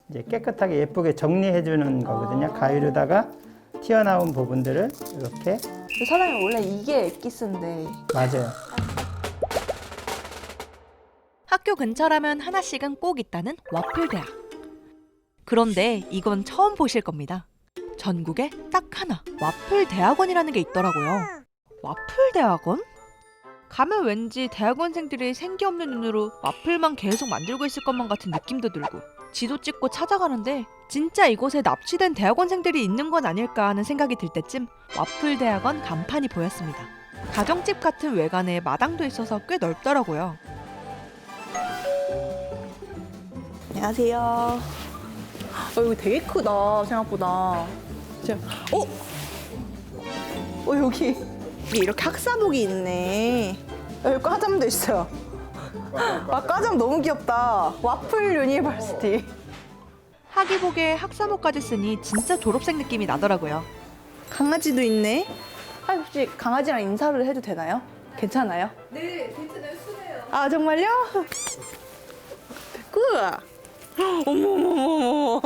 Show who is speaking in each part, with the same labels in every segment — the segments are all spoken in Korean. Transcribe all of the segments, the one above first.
Speaker 1: 이제 깨끗하게 예쁘게 정리해 주는 거거든요. 가위로다가 튀어나온 부분들을 이렇게.
Speaker 2: 사장님 원래 이게 엑기스인데.
Speaker 1: 맞아요.
Speaker 3: 학교 근처라면 하나씩은 꼭 있다는 와플대학. 그런데 이건 처음 보실 겁니다. 전국에 딱 하나 와플대학원이라는 게 있더라고요. 와플대학원? 가면 왠지 대학원생들이 생기 없는 눈으로 와플만 계속 만들고 있을 것만 같은 느낌도 들고, 지도 찍고 찾아가는데 진짜 이곳에 납치된 대학원생들이 있는 건 아닐까 하는 생각이 들 때쯤 와플대학원 간판이 보였습니다. 가정집 같은 외관에 마당도 있어서 꽤 넓더라고요.
Speaker 2: 안녕하세요. 이거 되게 크다 생각보다. 여기 이렇게 학사복이 있네. 여기 과잠도 있어요. 아, 과잠 너무 귀엽다. 와플 유니버시티.
Speaker 3: 학위복에 학사모까지 쓰니 진짜 졸업생 느낌이 나더라고요.
Speaker 2: 강아지도 있네. 혹시 강아지랑 인사를 해도 되나요? 괜찮아요?
Speaker 4: 네, 괜찮아요. 순해요.
Speaker 2: 아, 정말요? 백구! 어머머머머.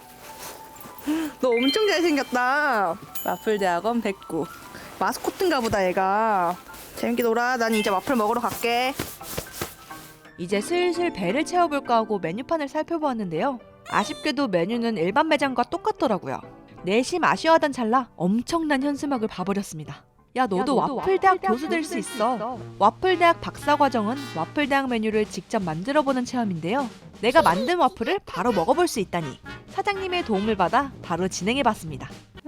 Speaker 2: 너 엄청 잘생겼다. 와플대학원 백구. 마스코트인가 보다, 얘가. 재밌게 놀아. 난 이제 와플 먹으러 갈게.
Speaker 3: 이제 슬슬 배를 채워볼까 하고 메뉴판을 살펴보았는데요. 아쉽게도 메뉴는 일반 매장과 똑같더라고요. 내심 아쉬워하던 찰나 엄청난 현수막을 봐버렸습니다. 야, 너도 와플대학 교수 될 수 있어. 와플대학 박사과정은 와플대학 메뉴를 직접 만들어보는 체험인데요. 내가 만든 와플을 바로 먹어볼 수 있다니 사장님의 도움을 받아 바로 진행해봤습니다.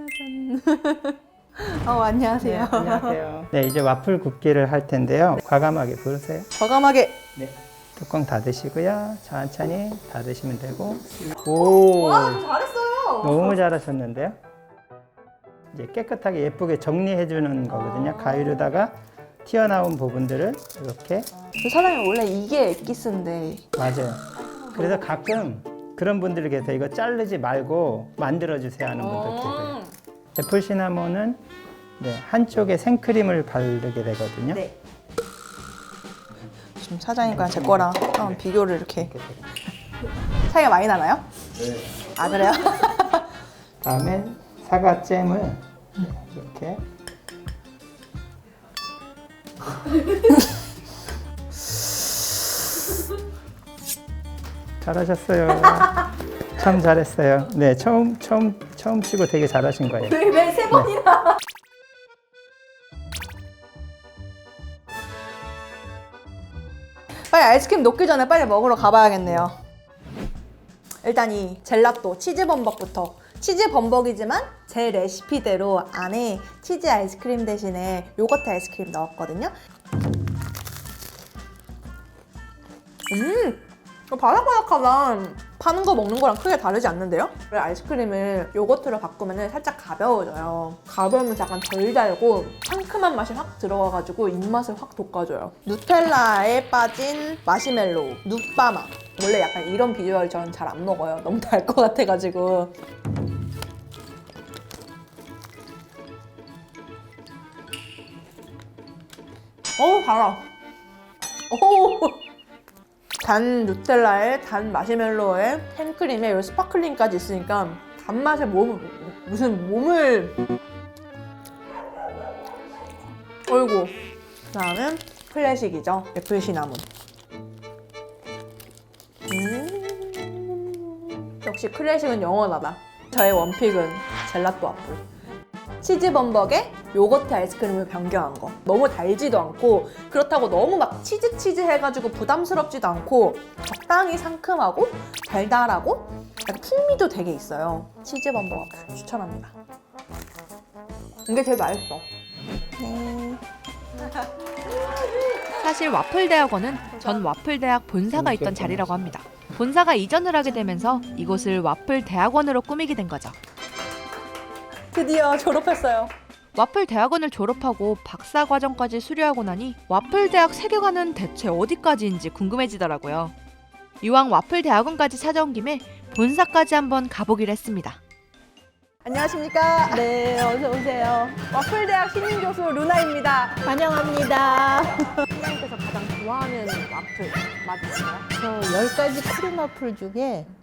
Speaker 2: 안녕하세요.
Speaker 1: 네, 안녕하세요. 네, 이제 와플 굽기를 할 텐데요. 과감하게 부르세요.
Speaker 2: 과감하게.
Speaker 1: 네. 뚜껑 닫으시고요. 천천히 닫으시면 되고. 오,
Speaker 2: 잘했어요.
Speaker 1: 너무 잘하셨는데요. 이제 깨끗하게 예쁘게 정리해 주는 거거든요. 가위로다가 튀어나온 부분들을 이렇게.
Speaker 2: 사장님 원래 이게 엑기스인데.
Speaker 1: 맞아요. 그래서 가끔 그런 분들이 계세요. 이거 자르지 말고 만들어 주세요 하는 분들 계세요. 애플 시나몬은 한쪽에 생크림을 바르게 되거든요.
Speaker 2: 네. 지금 사장님과 제 거랑 한번 비교를 이렇게. 차이가 많이 나나요?
Speaker 1: 네.
Speaker 2: 아, 그래요?
Speaker 1: 다음에 사과잼을 이렇게. 잘하셨어요. 참 잘했어요. 네, 처음 치고 되게 잘하신 거예요.
Speaker 2: 왜 세 번이나? 빨리 아이스크림 녹기 전에 빨리 먹으러 가봐야겠네요. 일단 이 젤라또 치즈 범벅부터. 치즈 범벅이지만 제 레시피대로 안에 치즈 아이스크림 대신에 요거트 아이스크림 넣었거든요. 바삭바삭하다. 파는 거 먹는 거랑 크게 다르지 않는데요? 아이스크림을 요거트로 바꾸면 살짝 가벼워져요. 가벼우면 약간 덜 달고 상큼한 맛이 확 들어가가지고 입맛을 확 돋궈줘요. 누텔라에 빠진 마시멜로우, 눕바마. 원래 약간 이런 비주얼 저는 잘 안 먹어요. 너무 달 것 같아가지고. 달아. 단 누텔라에 단 마시멜로에 생크림에 요 스파클링까지 있으니까 단맛에 무슨 몸을. 어이구. 다음은 클래식이죠. 애플 시나몬. 역시 클래식은 영원하다. 저의 원픽은 젤라또 와플. 치즈 범벅에 요거트 아이스크림을 변경한 거. 너무 달지도 않고 그렇다고 너무 막 치즈 해가지고 부담스럽지도 않고 적당히 상큼하고 달달하고 약간 풍미도 되게 있어요. 치즈 범벅 와플 추천합니다. 이게 제일 맛있어. 네.
Speaker 3: 사실 와플대학원은 전 와플대학 본사가 있던 자리라고 합니다. 본사가 이전을 하게 되면서 이곳을 와플대학원으로 꾸미게 된 거죠.
Speaker 2: 드디어 졸업했어요.
Speaker 3: 와플대학원을 졸업하고 박사과정까지 수료하고 나니 와플대학 세계관은 대체 어디까지인지 궁금해지더라고요. 이왕 와플대학원까지 찾아온 김에 본사까지 한번 가보기로 했습니다.
Speaker 2: 안녕하십니까?
Speaker 4: 네, 어서 오세요.
Speaker 2: 와플대학 신임 교수 루나입니다.
Speaker 4: 환영합니다.
Speaker 2: 선생님께서 가장 좋아하는 와플 맛 있어요?
Speaker 4: 저 10가지 크림 와플 중에